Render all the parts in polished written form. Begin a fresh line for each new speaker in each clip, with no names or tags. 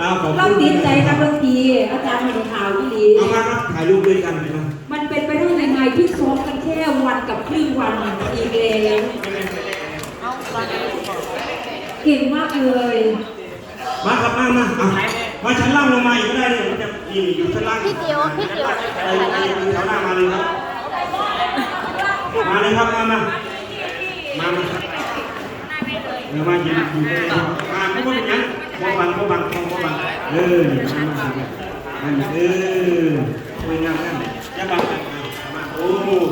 เราติดใจกับดนตรีอาจารย์เห็นข่าวที่ดี
เอามาครับถ่ายรูปด้วยกันนะ
มันเป็นไปได้ยังไงที่ซ้อมกันแค่วันกับครึ่งวันอีกแล้วเก่งมากเลย
มาครับมาชั้นล่างลงมาอีกก็ได้เลยมันจะอยู่ชั้นล่าง
พี่ติ๋ว
แถวหน้ามาเลยครับมาเลยครับมาเดี๋ยวมายืนอยู่เลยมาไม่ต้องอย่างนั้นมองบังมาไม่งามนั่นจะบังมาโอ้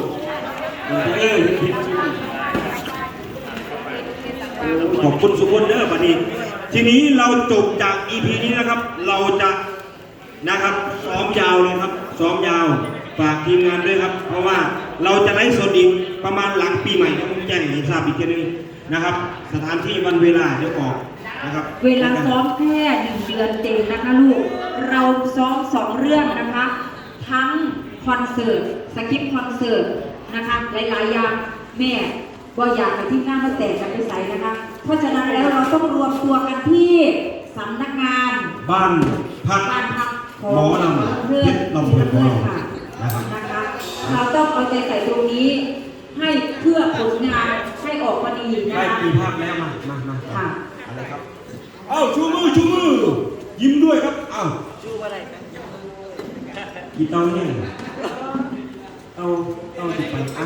ขอบคุณสุขนเด้อวันนี้ทีนี้เราจบจาก EP นี้นะครับเราจะนะครับซ้อมยาวเลยครับซ้อมยาวฝากทีมงานด้วยครับเพราะว่าเราจะไลฟ์สดอีกประมาณหลังปีใหม่ต้องแจ้งให้ทราบอีกทีนึงนะครับสถานที่วันเวลาเดี๋ยวออกนะครับ
เวลาซ้อมแค่1 เดือนเต็มนะคะลูกเราซ้อม2 เรื่องนะคะทั้งคอนเสิร์ตสคริปต์คอนเสิร์ตนะคะหลายๆอย่างแม่ก็อยากไปที่หน้ามาแตกกันไปใส่นะคะเพราะฉะนั้นแล้วเราต้องรวมตัวกันที่สำนักงาน
บ้านพักหมอลำเพื่อน
ค่ะนะคะเราต้องเอาใจใส่ตรงนี้ให้เพื่อผลงานให้ออกมาดีนะ
ได้กี่ภาพแล้วมา
ค่ะ
อะไรครับเอ้าชูมือยิ้มด้วยครับเอ้าชูอะไรกี่เตาเนี่ยเตาติดไปอ่ะ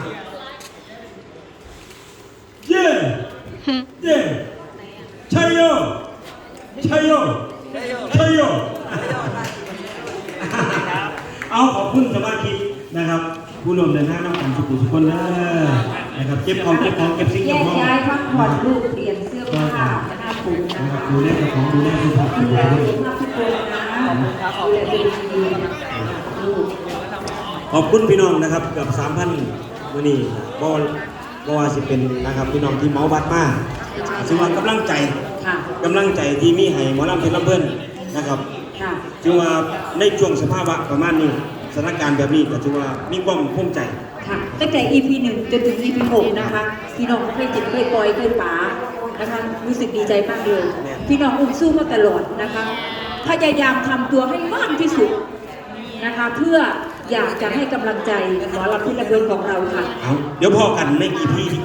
เย่ชัยโยเอาขอบคุณสมาชิกนะครับผู้ร่วมเดินทางน้ำกันทุกคนนะครับเก็บของเก็บสิ่งของ
ย้ายพักผ่อนลูกเปลี่ยนเสื้อผ้าหน้าผม
นะครับดูแลของดูแลสุขภาพ
ทุกคนนะดูแลดี
ขอบคุณพี่น้องนะครับเกือบ 3,000 วันนี้บ่ว่าสิเป็นนะครับพี่น้องที่เมาบัดมากสิว่ากำลังใจที่มีให้หมอลำเพชรลำเพิ่นนะครับจึงว่าในช่วงสภาวะประมาณนี้สถานการณ์แบบนี้ก็ถือว่ามีความภูมิใจ
ค่ะตั้งแต่ EP 1 จนถึง EP 6 นะคะพี่น้องเคยจิตเคยปล่อยเคยป๋านะคะรู้สึกดีใจมากเลยพี่น้องอุ้มสู้มาตลอดนะคะพยายามทำตัวให้มากที่สุดนะคะเพื่ออยากจะให้กำลังใจหมอลำเพชรลำเพิ่นของเราค่ะ
เดี๋ยวพอกันใน EP ที่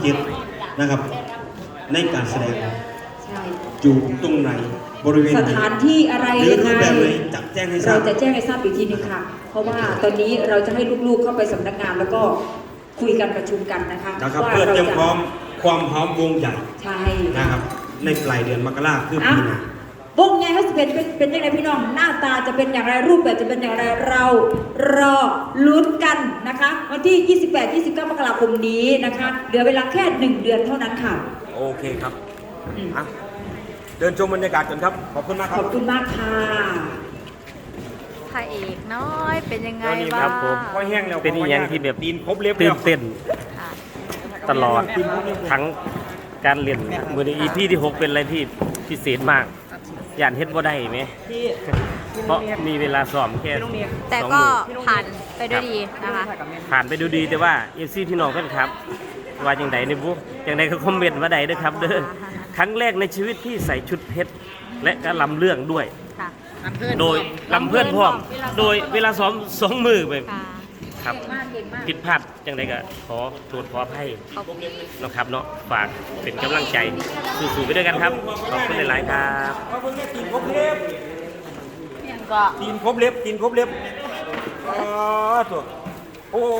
7 นะครับในการแสดงอยู่ตรงไหนบริเวณ
สถานที่อะไรยังไง
จะแจ้งให้ทราบ
เราจะแจ้งให้ทราบอีกทีนึงค่ะเพราะว่าตอนนี้เราจะให้ลูกๆเข้าไปสำนักงานแล้วก็คุยกันประชุมกันนะคะ
เพื่อเตรียมพร้อมความพร้อมวงใหญ่
ใช่
นะครับในปลายเดือนมกราคมคือปีหน้
าวงใหญ่เขาจะเป็นยังไงพี่น้องหน้าตาจะเป็นอย่างไรรูปแบบจะเป็นอย่างไรเรารอลุ้นกันนะคะวันที่ 28-29 มกราคมนี้นะคะเหลือเวลาแค่1 เดือนเท่านั้นค่ะ
โอเคครับเดินชมบรรยากาศกันครับขอบคุณมากครับ
ขอบคุณมากค่ะ
พระเอกน้อยเป็นยังไงบ้าง
เป็นอย่างที่แบบ
ตีนครบเล็บ
ตื่นเต้นตลอดทั้งการเรียนมือใน EP ที่ 6เป็นอะไรที่พิเศษมากย่านเฮ็ดบ่ได้ไหมเพราะมีเวลาซ้อมแค่
แต่ก็ผ่านไปด้วยดีนะคะ
ผ่านไปดูดีแต่ว่าFCพี่น้องกันครับว่าอย่างไรในบุ๊กอย่างไรก็คอมเมนต์มาได้ด้วยครับเด้อครั้งแรกในชีวิตที่ใส่ชุดเพชรและก็ลำเรื่องด้วยโดยลำเพื่อนพร้อมโดยเวลาซ้อม2 มือไปครับผิดพลาดอย่างไรก็ขอโทษขออภัยนะครับเนาะฝากเป็นกำลังใจสู้ๆไปด้วยกันครับขอบคุณหลายๆครับ
ตีนครบเล็บตีนครบเล็บตัวโอ้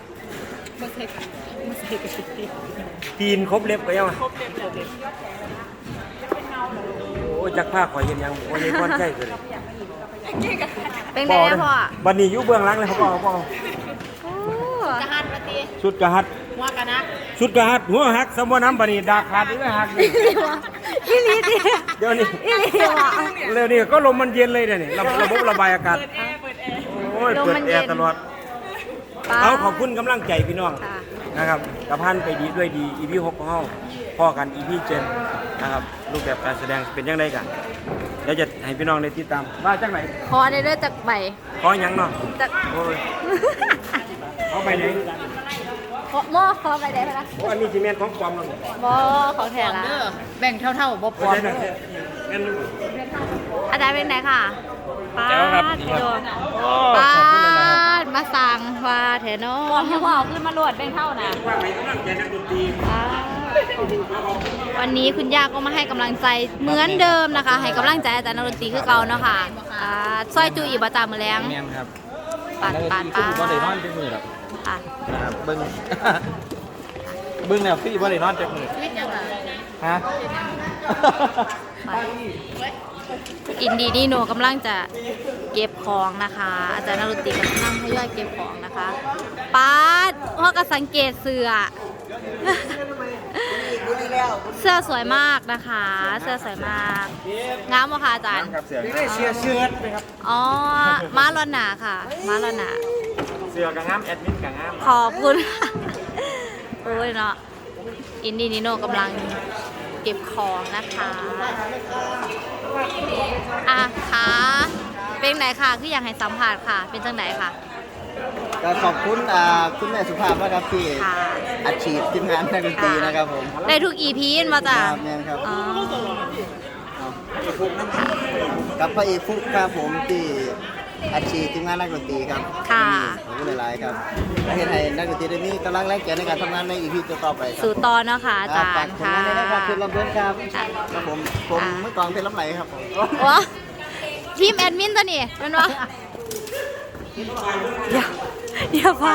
ตีนครบเล็บก็ยังโอ้จักผ้าขอยเห็นยังโอ้ยพรใช่เลย
เป็นไงนะพ่อ
บันนี้อยู่เบื้องหลังเลยเขาบอก
กระหัดปฏิ
ชุดกระหัด
หัวกระนัก
ชุดกระหัดหัวหักสมบูรณ์น้ำบันนี้ดาขาดด้วยหัก
อีลีดิ
เดี๋ยวนี้เร็วนี้ก็ลมมันเย็นเลยเนี่ยระบบระบายอากาศโอ้ยเปิดแอร์ตลอดเอาขอบคุณกำลังใจพี่น้องนะครับกระพันไปดีด้วยดี EP 6ของเราพ่อกัน EP 7นะครับรูปแบบการแสดงเป็นยังไงกันเดี๋ยวจะให้พี่น้องได้ติดตามว่าจากไหน
ขอได้เรื่อยจากใบ
ขอยังเนาะ
จาก
โอ้ยเอาไปไหน
หม้อขอไปได้ไหมล่ะ
โอ้อันนี้จีเมนของความแล้ว
หม้อของแท้ละ
แบ่งเท่าๆบ่ป
พ
อ
อ
ม
ได้งั้น
อาจารย์เป็นไหนค่ะป้า
แจ๋วครับ
ด
ดีครับ
โดน
โอ้
ป้า
ขอบคุณเลยนะครับ
ดมาสั่งว่าแถนอ
ปอมที่ว่าเอาขึ้นมาโหลดแบ่งเท่านะ
ว่าให้กำลังใจนักดนตรี
วันนี้คุณย่าก็มาให้กำลังใจเหมือนเดิมนะคะ ให้กำลังใจอาจารย์นักดนตรีคือเก่าเนาะค่ะซอยจูอีบาจามือแรง
แม่นครับ
ปาดปาด
คือ
ปา
บ่ได้นอน
ด
จักมือหรอก
ค่ะ
นะครับเบิ่ง เบิ่งแล้วพี่บ่ได้นอนจักมือฮะ
อินดีนี่โนกำลังจะเก็บของนะคะ อาจารย์นักดนตรีกำลังทยอยเก็บของนะคะป้าดพ่อก็สังเกตเสื้อ เสื้อสวยมากนะคะ เสื้อสวยมากงามบ่คะอาจารย์
ครับเสือ
ได้เชียร์เชือดนะครับ
อ๋อม้าลอนหนาค่ะม้าลอนหนา
เสือกับงามแอดมินกับงาม
ขอบคุณ โอ้ยเนาะอินดี้นิโนกำลังเก็บของนะคะอ่ะค่ะเป็นไหนค่ะคืออยากให้สัมผัสค่ะ เป็นจังไหนค่ะ
ก็ขอบคุณคุณแม่สุภาพนะครับที่
ค่ะ
อัดฉีดทีมงานนักดนตรีนะครับผม
ได้ทุก EP มาจ้ะ
ครับแม่นครับ
อ๋อ
กับพระเอกฟุกครับผมที่อัดฉีดทีมงานนักดนตรีครับ
ค่ะ
ขอบคุณหลายๆครับและเห็นให้นักดนตรีได้มีกำลังแรงใจในการทำงานในอีพีต่อๆไปครับ
สู่ตอนเนาะค่ะอาจาร
ฝาก
ย์
ผล
ค่ะ
งานด้วยนะครับเพชรลำเพลินครับ
ค่ะ
ครับผมเมื่อก่อนเพชรลำไหลครับผม
วะทีมแอดมินตัวนี้เป็นวะเดี๋ยวพ่อ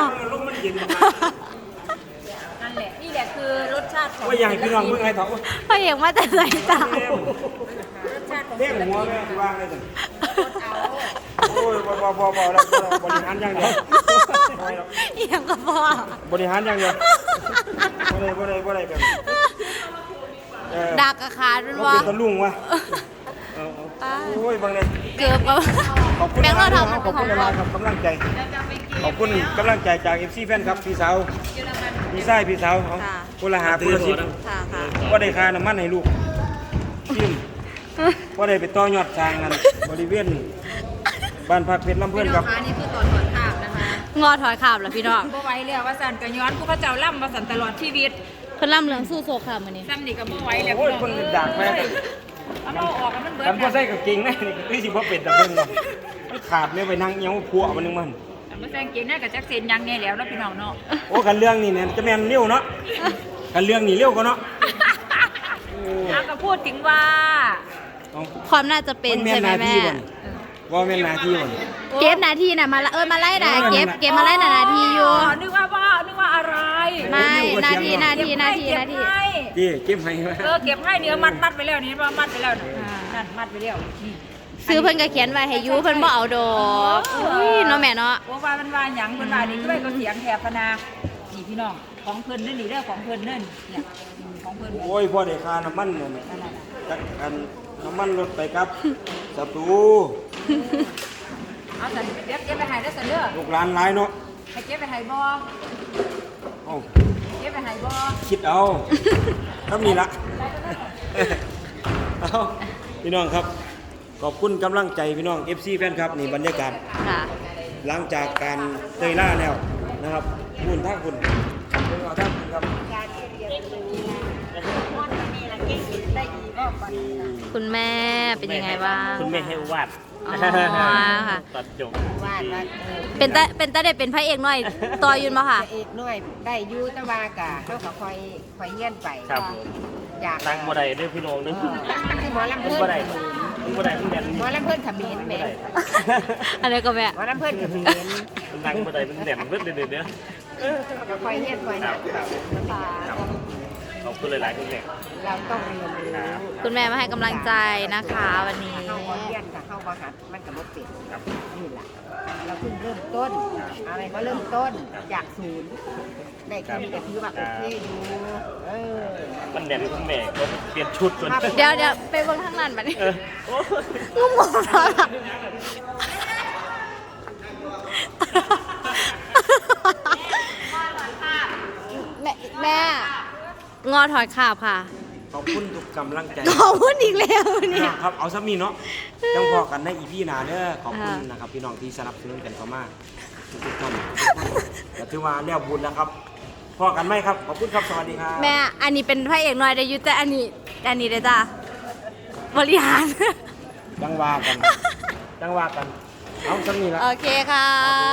นั่นแหละนี่แหละคือรสชาติของ
ว่าอยากให้พี่น้องเมื่อไงเถอะ
พ่อเอกมาแต่ไหนจ้าร
สชาติของ
เรียกหัวแม่ที่ว่างเลยสิโอ้ยพอแล้วบริหารอย่างเดียว
เอียงกับพ่อบ
ริหารอย่างเดียวบ่ได้แบบ
ดักกระขาดเป็น
ว่า
วะ
เป็นตะลุงวะโอ้ยบางเนี่ย
เกือบกับ
ขอบคุณ
แบงค์เราทำ
ขอบคุณหลายครับกำลังใจ ขอบคุณกำลังใจจาก FC แฟนครับพี่สาวพี่ชายพี่สาวเขาคนละหาคนละสิบ
ค่ะค่ะ
ว่าได้ค่าน้ำมันให้ลูกทิมว่าได้ไปต่อยอดสร้างงานบริเวณบ้านพักเพชรลำเพื่อนครับ
อันนี้คือตอนถอดภาพนะคะ
งอถอยขาบเหรอพี่น้อง
บ่ไหวแล้วว่าสันก็ย้อนผู้เขาเจ้าล่ำว่าสันตลอดชีวิต
เพิ่นล่ำเหลืองสู้โซค่ะมื้อนี้
ซ้ำนี่ก็บ่ไหวแล้ว
โอ้ยคนดักแม่
เอามาออกกันมันเบิด
กันพ่อใส่กับเก่งนะนี่สิพ่อเป็ดแต่เพิ่งมันขาดเนี่ยไปนั่งเงี้ยวพัวมันนึงมัน
มาแซงเกงน่ากับจักเซนยังเนี่ยแล้วเนาะพี่น้องเนาะ
โอ้กันเรื่องนี่เนี่ยจะแม่นเลี้ยวเนาะกันเรื่องนี่เลี้ยวก็เนาะ
เอาก็พูดถึงว่า
ความน่าจะเป็นใช่ไหมแม่
ว่าแม่นหนาที่บ่น
เก็บนาทีน่ะมาละมาไล่น่ะเก็บมาไล่น่ะนาทีอยู่
นึกว่าอะไร
ไม่นาที
เก็บให้
ที่เก็บให้ไหม
เก็บให้เนื้อมัดไปแล้วนี่ว่ามัดไปแล้วนะนั่นมัดไปแล้วนี่
ซื้อเพิ่นก็เขียนไว้ให้อยู่เพิ่นบ่เอาดอกอุ้ยเนาะแม่เนาะ
ว่ามันว่าหยังเพิ่นว่านี่ก็เลยก็เถียงแถบพนานี่พี่น้องของเพิ่นนั่นนี่เด้อของเพิ่นนั่นเนี่ยของเพิ่น
โอ้ยพ่อได้ค่าน้ำมันเนี่ยจักอันน้ำมันลดไปครับศัตรู
เอาสันเก็บไปให้ได้อสันเด้อ
ลูกหลานหลายเนาะ
ให้เก็บไปให้บ่
เอ้า
เก็บไปให้บ่
คิดเอาครับนี่ละเอาพี่น้องครับ ขอบคุณกำลังใจพี่น้อง FC แฟนครับนี่บรรยากาศ
ค่ะ
หลังจากการเตยล่าแล้วนะครับคุณท่าคุณเอาท่าคุณครับ
คุณแม่เป็นยังไงบ้าง
คุณแม่ให้วาด
อ๋อค่ะ
ตัดจบ
วาดว่า
เป็นตาได้เป็นพระเอกหน่อยต่อยืนมาค่ะ
พระเอกน้อยได้อยู่แตะวากะเขาก็คอยเงี้ยนไป
ครับผม
อยาก
นั่งบ่ได้เด้อพี่น้องเด้อ
คือหมอลำ
มัน
เพิ่น
บ่ได้มันบ่ได้มันแดน
หมอลำเพิ่นเขมิ้นแหม่
อันนี้ก็แม่
หมอลำเพิ่นเขมิ้น
มันนั่งบ่ได้มันแดนเบิดเด้อ
เขาก็คอยเงี้ยนคอย
ครั
นั
บบ ครับขอบคุณหลายๆคุณแม่
เราต้องเรียนรู้
คุณแม่มาให้กำลังใจนะคะวันนี้
เข้าบ่เรียนกับเข้าบ่หัดมันก็บ่เป็นนี่ล่ะเราเพิ่งเริ่มต้นอะไรก็เริ่มต้นจากศูนย์ได้แค่นี้ก็ถือว่าโอเคอยู่เออ
มันแดนคุณแม่ก็เปลี่ยนชุดก่อน
เดี๋ยวไปเบิ่งทางนั้นบัดนี้
เออโอ้
งงๆแล้วล่ะแม่งอถอยขาบค่ะ
ขอบคุณทุกกำลังใจ
ขอบคุณอีกแล้วเนี่ย
ครับเอาซ้ำนี่เนาะจังพอกันในอีพีหน้าเด้อขอบคุณนะครับพี่น้องที่สนับสนุนกันเข้ามาทุกท่านก็ถือว่าแล้วบุญแล้วครับพอกันไหมครับขอบคุณครับสวัสดีครับ
แม่อันนี้เป็นพระเอกน้อยได้อยุแต่อันนี้ได้จ้าบริหาร
จังว่ากัน จังว่ากัน เอาสักนี้ละ
โอเคค่ะ
โอเค